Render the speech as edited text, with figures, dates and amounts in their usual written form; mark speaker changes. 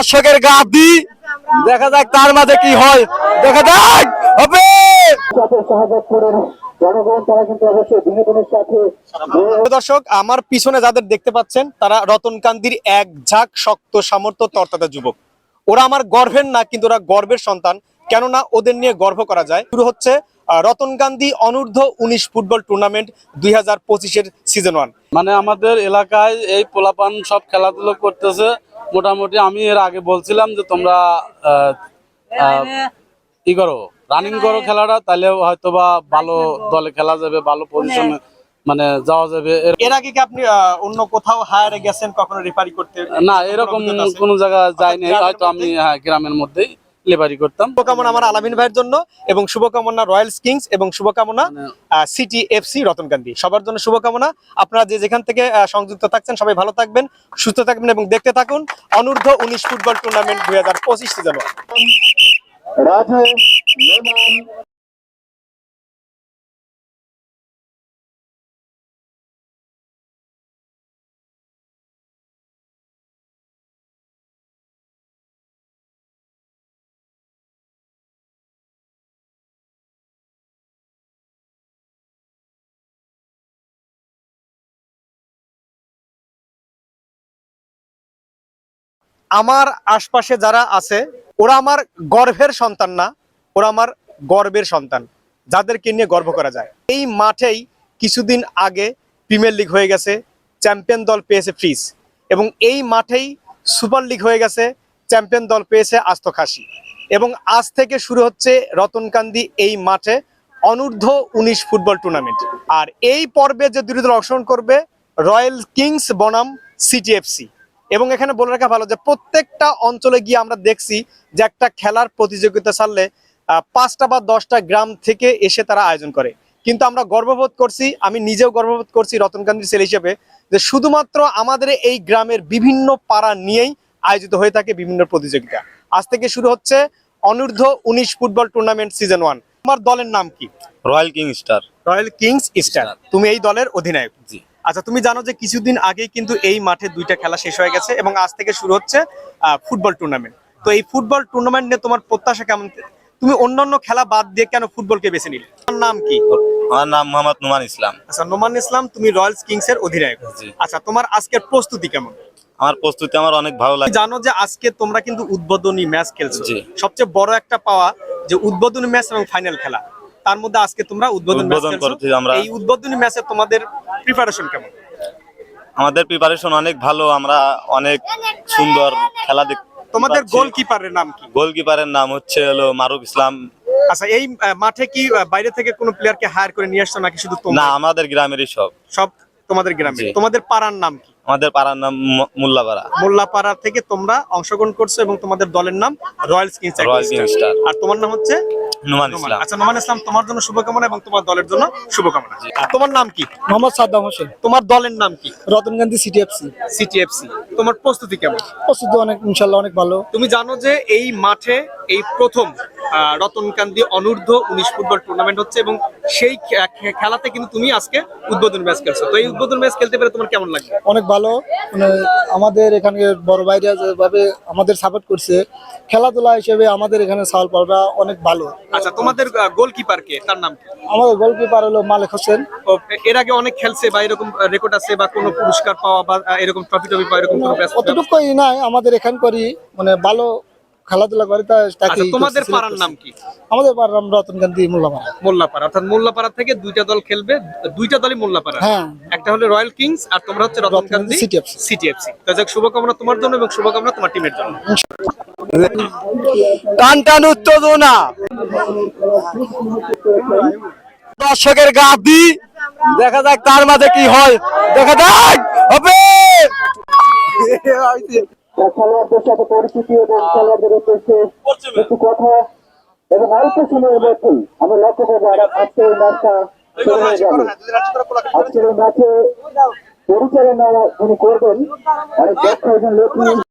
Speaker 1: দর্শকের গাদি দেখা যাক তার মাঝে কি হয়, দেখা যাক হবে। দর্শক, আমার পিছনে যাদের দেখতে পাচ্ছেন তারা রতনকান্দির এক ঝাঁক শক্ত সামর্থ্য তরতাজা যুবক। ওরা আমার গর্বের না, কিন্তু ওরা গর্বের সন্তান, কেননা ওদের নিয়ে গর্ব করা যায়। শুরু হচ্ছে রতনকান্দি অনূর্ধ্ব 19 ফুটবল টুর্নামেন্ট 2025-এর সিজন 1।
Speaker 2: মানে আমাদের এলাকায় এই পোলাপান সব খেলাধুলো করতেছে মোটামুটি। আমি এর আগে বলছিলাম যে তোমরা ই করো, রানিং করো খেলাটা, তাহলে হয়তো বা ভালো দলে খেলা যাবে, ভালো পজিশনে মানে যাওয়া যাবে।
Speaker 1: এর আগে কি আপনি অন্য কোথাও হায়ারে গেছেন কখনো রেফারি করতে?
Speaker 2: না, এরকম কোনো জায়গায় যাইনি, হয়তো আমি গ্রামের মধ্যেই লেবারি করতাম।
Speaker 1: শুভকামনা আমার আলামিন ভাইয়ের জন্য, এবং শুভকামনা রয়্যালস কিংস, এবং শুভকামনা সিটি এফসি রতনকান্দি, সবার জন্য শুভকামনা। আপনারা যে যেখান থেকে সংযুক্ত থাকছেন সবাই ভালো থাকবেন, সুস্থ থাকবেন এবং দেখতে থাকুন অনূর্ধ্ব 19 ফুটবল টুর্নামেন্ট 2025 সিজন 1। আমার আশপাশে যারা আছে ওরা আমার গর্বের সন্তান না, ওরা আমার গর্বের সন্তান, যাদেরকে নিয়ে গর্ব করা যায়। এই মাঠেই কিছুদিন আগে প্রিমিয়ার লিগ হয়ে গেছে, চ্যাম্পিয়ন দল পেয়েছে ফ্রিজ, এবং এই মাঠেই সুপার লিগ হয়ে গেছে, চ্যাম্পিয়ন দল পেয়েছে আস্ত খাসি। এবং আজ থেকে শুরু হচ্ছে রতনকান্দি এই মাঠে অনূর্ধ্ব 19 ফুটবল টুর্নামেন্ট। আর এই পর্বে যে দুটি দল অংশগ্রহণ করবে, রয়্যাল কিংস বনাম সিটি এফসি। এবং এখানে বলে রাখা ভালো যে প্রত্যেকটা অঞ্চলে গিয়ে আমরা দেখছি যে একটা খেলার প্রতিযোগিতা ছাড়লে 5টা বা 10টা গ্রাম থেকে এসে তারা আয়োজন করে। কিন্তু আমরা গর্ববোধ করছি, আমি নিজেও গর্ববোধ করছি রতনকান্দির ছেলে হিসেবে, যে শুধুমাত্র আমাদের এই গ্রামের বিভিন্ন পাড়া নিয়েই আয়োজিত হয়ে থাকে বিভিন্ন প্রতিযোগিতা। আজ থেকে শুরু হচ্ছে অনূর্ধ্ব 19 ফুটবল টুর্নামেন্ট সিজন 1। তোমার দলের নাম কি?
Speaker 2: Royal king star.
Speaker 1: Royal kings star, তুমি এই দলের অধিনায়ক।
Speaker 2: জি।
Speaker 1: আচ্ছা, তুমি জানো যে কিছুদিন আগেই কিন্তু এই মাঠে 2টা খেলা শেষ হয়ে গেছে এবং আজ থেকে শুরু হচ্ছে ফুটবল টুর্নামেন্ট। তো এই ফুটবল টুর্নামেন্ট নিয়ে তোমার প্রত্যাশা কেমন? তুমি অন্যান্য খেলা বাদ দিয়ে কেন ফুটবলকে বেছে নিলে? তোমার নাম কি?
Speaker 2: আমার নাম মোহাম্মদ নোমান ইসলাম।
Speaker 1: আচ্ছা, নোমান ইসলাম, তুমি রয়্যালস কিংস এর অধিনায়ক। আচ্ছা, তোমার আজকের প্রস্তুতি কেমন?
Speaker 2: আমার প্রস্তুতি আমার অনেক ভালো লাগে।
Speaker 1: জানো যে আজকে তোমরা কিন্তু উদ্বোধনী ম্যাচ খেলছো। সবচেয়ে বড় একটা পাওয়া যে উদ্বোধনী ম্যাচ এবং ফাইনাল খেলা, তার মধ্যে আজকে তোমরা উদ্বোধনী ম্যাচ খেলছো। এই উদ্বোধনী ম্যাচে তোমাদের প্রিপারেশন কেমন?
Speaker 2: আমাদের প্রিপারেশন অনেক ভালো, আমরা অনেক সুন্দর খেলা দেখতে।
Speaker 1: তোমাদের গোলকিপারের নাম কি?
Speaker 2: গোলকিপারের নাম হচ্ছে মারুফ ইসলাম।
Speaker 1: আচ্ছা, এই মাঠে কি বাইরে থেকে কোনো প্লেয়ারকে হায়ার করে নিয়ে আসছো নাকি শুধু তোমরা?
Speaker 2: না, আমাদের গ্রামেরই সব
Speaker 1: তোমাদের গ্রামে। তোমাদের পাড়ার নাম কি?
Speaker 2: আমাদের পাড়ার নাম মোল্লাপাড়া।
Speaker 1: মোল্লাপাড়া থেকে তোমরা অংশগ্রহণ করছো এবং তোমাদের দলের নাম রয়্যালস কিংস স্টার। আর তোমার নাম হচ্ছে
Speaker 2: নোমান ইসলাম।
Speaker 1: আচ্ছা, নোমান ইসলাম, তোমার জন্য শুভকামনা এবং তোমার দলের জন্য শুভকামনা। তোমার নাম কি?
Speaker 3: মোহাম্মদ সাদ্দাম হোসেন।
Speaker 1: তোমার দলের নাম কি?
Speaker 3: Ratankandi city FC.
Speaker 1: City FC. তোমার প্রস্তুতি কেমন?
Speaker 3: প্রস্তুতি অনেক, ইনশাআল্লাহ অনেক ভালো।
Speaker 1: তুমি জানো যে এই মাঠে এই প্রথম রতনকান্দি অনূর্ধ্ব 19 ফুটবল টুর্নামেন্ট হচ্ছে এবং সেই খেলাতে কিন্তু তুমি আজকে উদ্বোধনী ম্যাচ খেলছো। তো এই উদ্বোধনী ম্যাচ খেলতে পেরে তোমার কেমন লাগে?
Speaker 3: অনেক ভালো। মানে আমাদের এখানে বড় ভাইরা যেভাবে আমাদের সাপোর্ট করছে খেলাধুলা হিসেবে, আমাদের এখানে সাউল পালরা অনেক ভালো।
Speaker 1: আচ্ছা, তোমাদের গোলকিপার কে, তার নাম কি?
Speaker 3: আমাদের গোলকিপার হলো মালিক হোসেন।
Speaker 1: এর আগে অনেক খেলছে বা এরকম রেকর্ড আছে বা কোনো পুরস্কার পাওয়া বা এরকম ট্রফি পাওয়া এরকম কোনো?
Speaker 3: অতটুকুই নাই, আমাদের এখান করি মানে ভালো খেলাধুলা করে।
Speaker 1: আচ্ছা, তোমাদের পাড়ার নাম কি?
Speaker 3: আমাদের পাড়ার নাম রতনকান্দি মোল্লাপাড়া।
Speaker 1: মোল্লাপাড়া, অর্থাৎ মোল্লাপাড়া থেকে 2টা দল খেলবে, 2টা দলই মোল্লাপাড়া।
Speaker 3: হ্যাঁ,
Speaker 1: একটা হলো রয়্যাল কিংস আর তোমরা হচ্ছে রতনকান্দি সিটি এফসি। তো যাক, শুভকামনা তোমার জন্য এবং শুভকামনা তোমার টিমের জন্য।
Speaker 3: টান টান উত্তেজনা,
Speaker 1: দর্শকের গাদি দেখা যাক তার মাঝে কি হয়, দেখা যাক হবে।
Speaker 4: খেলোয়াড়দের সাথে পরিচিতি এবং খেলোয়াড়দের উদ্দেশ্যে কিছু কথা এবং অল্প সময়ের মধ্যেই আমরা লক্ষ্য করবো আজকের এই ম্যাচটা শুরু হয়ে যাবে। আজকের এই ম্যাচে পরিচালনা যিনি করবেন অনেক দক্ষ একজন লোক,